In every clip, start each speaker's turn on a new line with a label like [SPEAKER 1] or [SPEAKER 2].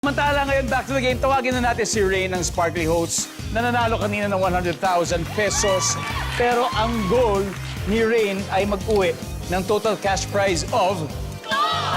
[SPEAKER 1] Samantala ngayon, back to the game, tawagin na natin si Rain ng Sparkly Hosts na nanalo kanina ng 100,000 pesos. Pero ang goal ni Rain ay mag-uwi ng total cash prize of
[SPEAKER 2] 200,000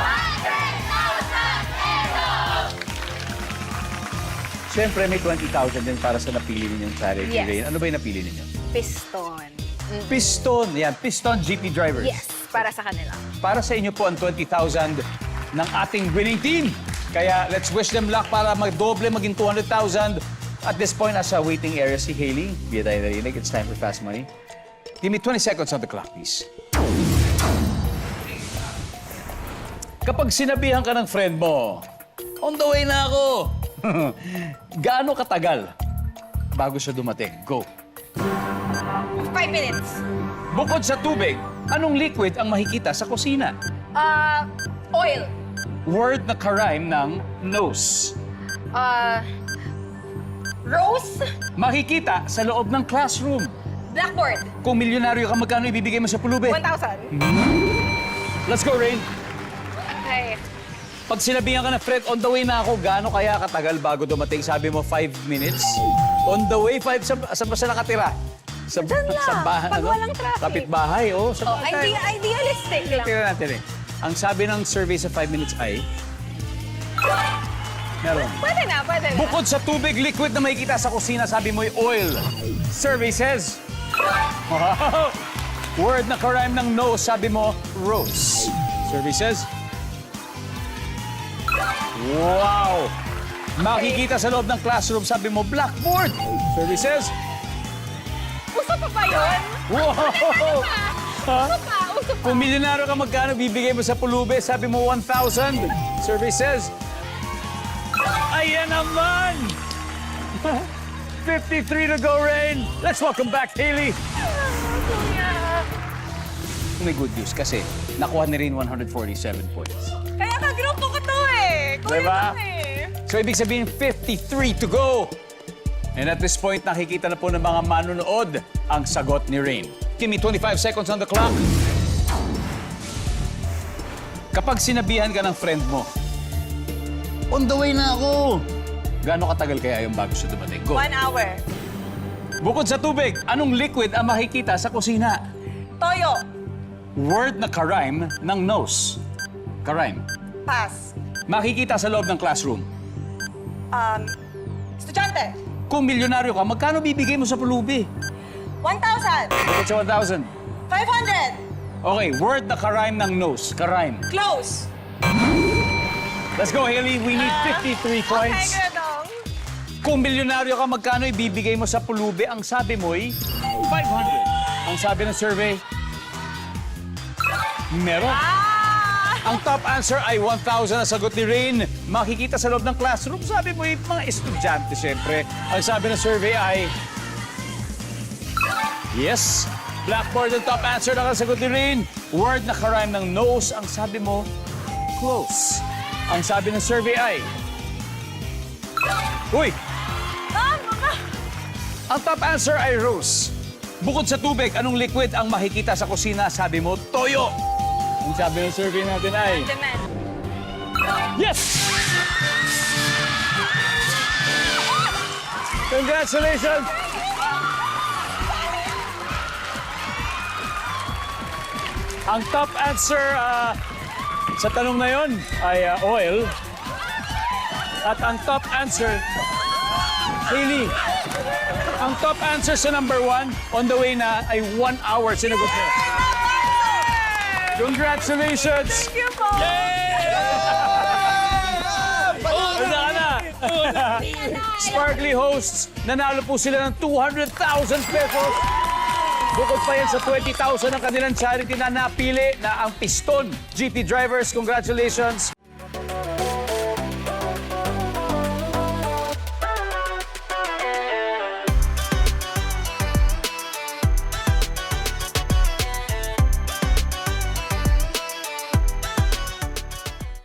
[SPEAKER 2] pesos!
[SPEAKER 1] Siyempre, may 20,000 din para sa napili ninyong charity,
[SPEAKER 2] Yes.
[SPEAKER 1] Rain. Ano ba yung napili ninyo?
[SPEAKER 2] Piston.
[SPEAKER 1] Piston. Yan, Piston GP Drivers.
[SPEAKER 2] Yes, para sa kanila.
[SPEAKER 1] Para sa inyo po ang 20,000 ng ating winning team. Kaya let's wish them luck para magdoble, maging 200,000. At this point, nasa waiting area si Hailey. Di tayo narinig. It's time for Fast Money. Give me 20 seconds on the clock, please. Kapag sinabihan ka ng friend mo, on the way na ako. Gaano katagal bago siya dumating? Go.
[SPEAKER 2] 5 minutes.
[SPEAKER 1] Bukod sa tubig, anong liquid ang makikita sa kusina?
[SPEAKER 2] Oil.
[SPEAKER 1] Word na karime ng nose.
[SPEAKER 2] Rose.
[SPEAKER 1] Makikita sa loob ng classroom.
[SPEAKER 2] Blackboard.
[SPEAKER 1] Kung milyonaryo ka, magkano ibibigay mo sa pulubi?
[SPEAKER 2] 1,000.
[SPEAKER 1] Let's go, Rain.
[SPEAKER 2] Okay.
[SPEAKER 1] Pag sinabihan ka na, Fred, on the way na ako, gaano kaya katagal bago dumating? Sabi mo, 5 minutes. On the way, 5, saan ba siya nakatira? Sa,
[SPEAKER 2] Diyan lang,
[SPEAKER 1] sa bahay,
[SPEAKER 2] pag walang traffic.
[SPEAKER 1] Kapitbahay, oh. Sa bahay.
[SPEAKER 2] Idealistic lang.
[SPEAKER 1] Tingnan natin eh. Ang sabi ng survey sa 5 minutes ay... Meron.
[SPEAKER 2] Pwede na.
[SPEAKER 1] Bukod sa tubig, liquid na makikita sa kusina, sabi mo'y oil. Survey says... Wow! Word na karime ng nose, sabi mo, rose. Survey says... Wow! Makikita sa loob ng classroom, sabi mo, blackboard. Survey says...
[SPEAKER 2] Uso pa ba yun?
[SPEAKER 1] Wow! Ha?
[SPEAKER 2] Uso pa.
[SPEAKER 1] Kung milyonaryo ka, magkano bibigay mo sa pulubi? Sabi mo, 1,000. Survey says... Ayan naman! 53 to go, Rain. Let's welcome back, Hailey.
[SPEAKER 2] Kuya.
[SPEAKER 1] May good news kasi nakuha ni Rain 147 points.
[SPEAKER 2] Kaya ka-grupo ko to eh. Kuya
[SPEAKER 1] Diba?
[SPEAKER 2] lang eh.
[SPEAKER 1] So, ibig sabihin, 53 to go. And at this point, nakikita na po ng mga manunood ang sagot ni Rain. Give me 25 seconds on the clock. Kapag sinabihan ka ng friend mo, on the way na ako. Gaano katagal kaya yung bago siya dumating? Go.
[SPEAKER 2] 1 hour.
[SPEAKER 1] Bukod sa tubig, anong liquid ang makikita sa kusina?
[SPEAKER 2] Toyo.
[SPEAKER 1] Word na karime ng nose. Karime.
[SPEAKER 2] Pass.
[SPEAKER 1] Makikita sa loob ng classroom.
[SPEAKER 2] Estudyante.
[SPEAKER 1] Kung milyonaryo ka, magkano bibigay mo sa pulubi?
[SPEAKER 2] 1,000.
[SPEAKER 1] Bukod sa 1,000.
[SPEAKER 2] 500.
[SPEAKER 1] Okay, word na karime ng nose. Karime.
[SPEAKER 2] Close.
[SPEAKER 1] Let's go, Hailey. We need 53 points.
[SPEAKER 2] Okay, Gredong.
[SPEAKER 1] Kung milyonaryo ka, magkano ibibigay mo sa pulubi? Ang sabi mo'y 500. Ang sabi ng survey, meron. Ang top answer ay 1,000 na sagot ni Rain. Makikita sa loob ng classroom. Sabi mo'y mga estudyante, siyempre. Ang sabi ng survey ay... Yes. Blackboard ang top answer na sagot ni Rain. Word na karime ng nose. Ang sabi mo, close. Ang sabi ng survey ay... Uy! Ang top answer ay rose. Bukod sa tubig, anong liquid ang makikita sa kusina? Sabi mo, toyo. Ang sabi ng survey natin ay...
[SPEAKER 2] Demand.
[SPEAKER 1] Yes! Congratulations! Ang top answer sa tanong na yon ay oil. At ang top answer, Hailey, ang top answer sa number 1, on the way na, ay 1 hour sinagot mo. Congratulations!
[SPEAKER 2] Thank you po.
[SPEAKER 1] Wala na. Sparkly Hosts, nanalo po sila ng 200,000 pesos. Bukod pa yan sa 20,000 ng kanilang charity na napili na ang Piston GP Drivers. Congratulations!